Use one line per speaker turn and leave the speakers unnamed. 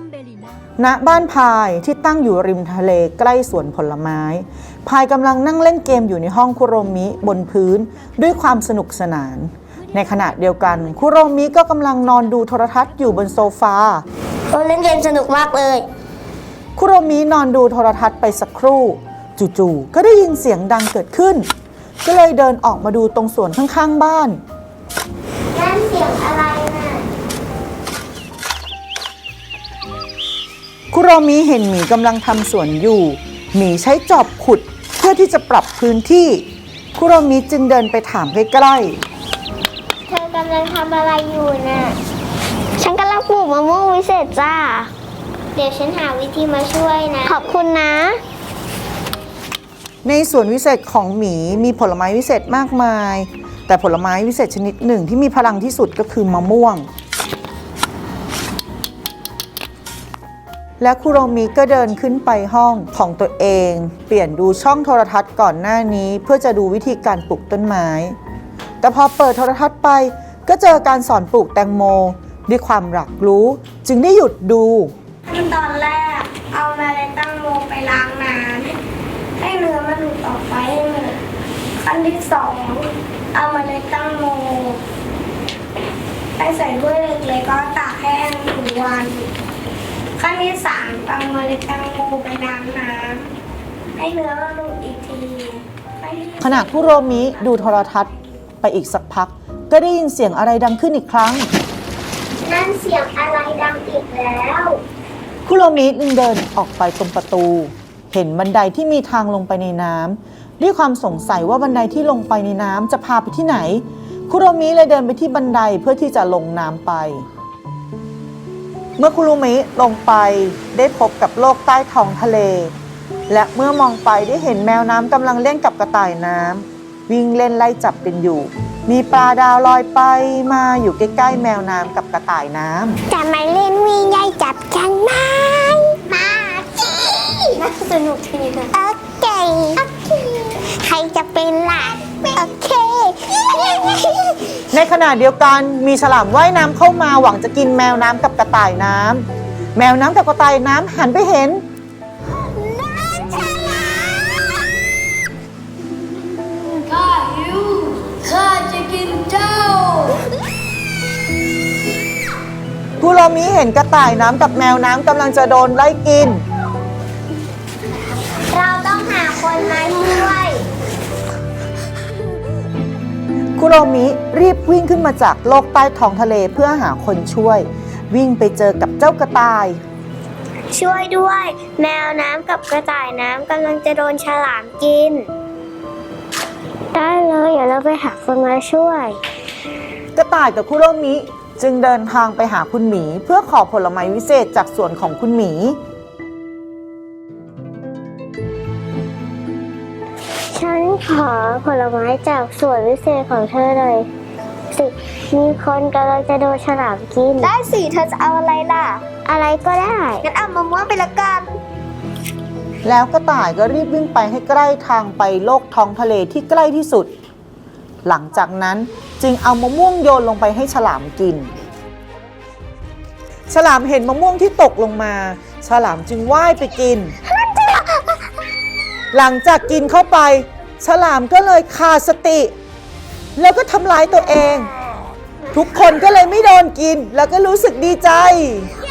ณบ้านพายที่ตั้งอยู่ริมทะเลใกล้สวนผลไม้พายกำลังนั่งเล่นเกมอยู่ในห้องคุโรมิบนพื้นด้วยความสนุกสนานในขณะเดียวกันคุโรมิก็กำลังนอนดูโทรทัศน์อยู่บนโซฟา
เล่นเกมสนุกมากเลย
คุโรมินอนดูโทรทัศน์ไปสักครู่จู่ๆก็ได้ยินเสียงดังเกิดขึ้นก็เลยเดินออกมาดูตรงสวนข้างๆบ้าน
นั่นเสียงอะไรน่ะ
คุโรมิเห็นหมีกำลังทำสวนอยู่หมีใช้จอบขุดเพื่อที่จะปรับพื้นที่คุโรมิจึงเดินไปถามใกล้
ๆเธอกำลังทำอะไรอยู่น่ะฉันกำลังปลูกมะม่วงวิเศษจ้าเดี๋ยวฉันหาวิธีมาช่วยนะขอบคุณนะ
ในสวนวิเศษของหมีมีผลไม้วิเศษมากมายแต่ผลไม้วิเศษชนิดหนึ่งที่มีพลังที่สุดก็คือมะม่วงและคุโรมิก็เดินขึ้นไปห้องของตัวเองเปลี่ยนดูช่องโทรทัศน์ก่อนหน้านี้เพื่อจะดูวิธีการปลูกต้นไม้แต่พอเปิดโทรทัศน์ไปก็เจอการสอนปลูกแตงโมด้วยความอยากรู้จึงได้หยุดดู
ขั้นตอนแรกเอาเมล็ดแตงโมไปล้างน้ำให้เนื้อมันหลุดออกไปให้หมดขั้นที่สองเอาเมล็ดแตงโมไปใส่ถ้วยเล็กๆก็ตากแห้ง1 วันขั้นที่สามเอาเมล็ดแตงโมไปล้างน้ำให้เนื้อมันหลุดอีกที
ขณะคุโรมิดูโทรทัศน์ไปอีกสักพักก็ได้ยินเสียงอะไรดังขึ้นอีกครั้ง
นั่นเสียงอะไรดังอีกแล้ว
คุโรมิจึงเดินออกไปตรงประตูเห็นบันไดที่มีทางลงไปในน้ำด้วยความสงสัยว่าบันไดที่ลงไปในน้ำจะพาไปที่ไหนคุโรมิเลยเดินไปที่บันไดเพื่อที่จะลงน้ำไปเมื่อคุโรมิลงไปได้พบกับโลกใต้ท้องทะเลและเมื่อมองไปได้เห็นแมวน้ำกำลังเล่นกับกระต่ายน้ำวิ่งเล่นไล่จับกันอยู่มีปลาดาวลอยไปมาอยู่ใกล้ๆแมวน้ำกับกระต่ายน้ำ
จะมาเล่นวิ่งไล่จับกันไหมมาจีน่าสนุกทีนะโอเคใครจะเป็นล่ะโอเค
ในขณะเดียวกันมีฉลามว่ายน้ำเข้ามาหวังจะกินแมวน้ำกับกระต่ายน้ำแมวน้ำกับกระต่ายน้ำหันไปเห็น
ข้าหิวข้าจะกินเจ้า
คุโรมิเห็นกระต่ายน้ำกับแมวน้ำกำลังจะโดนไล่กิน
เราต้องหาคนมาช่วย
คุโรมิรีบวิ่งขึ้นมาจากโลกใต้ท้องทะเลเพื่อหาคนช่วยวิ่งไปเจอกับเจ้ากระต่าย
ช่วยด้วยแมวน้ำกับกระต่ายน้ำกำลังจะโดนฉลามกินได้เลยเดี๋ยวเราไปหาคนมาช่วย
กระต่ายกับคุโรมิจึงเดินทางไปหาคุณหมีเพื่อขอผลไม้วิเศษจากสวนของคุณหมี
ฉันขอผลไม้จากสวนวิเศษของเธอหน่อยสิมีคนกำลังจะโดนฉลามกินได้สิเธอจะเอาอะไรล่ะอะไรก็ได้งั้นเอามะม่วงไปละกัน
แล้วกระต่ายก็รีบวิ่งไปให้ใกล้ทางไปโลกท้องทะเลที่ใกล้ที่สุดหลังจากนั้นจึงเอามะม่วงโยนลงไปให้ฉลามกินฉลามเห็นมะม่วงที่ตกลงมาฉลามจึงว่ายไปกินหลังจากกินเข้าไปฉลามก็เลยขาดสติแล้วก็ทำร้ายตัวเองทุกคนก็เลยไม่โดนกินแล้วก็รู้สึกดีใจ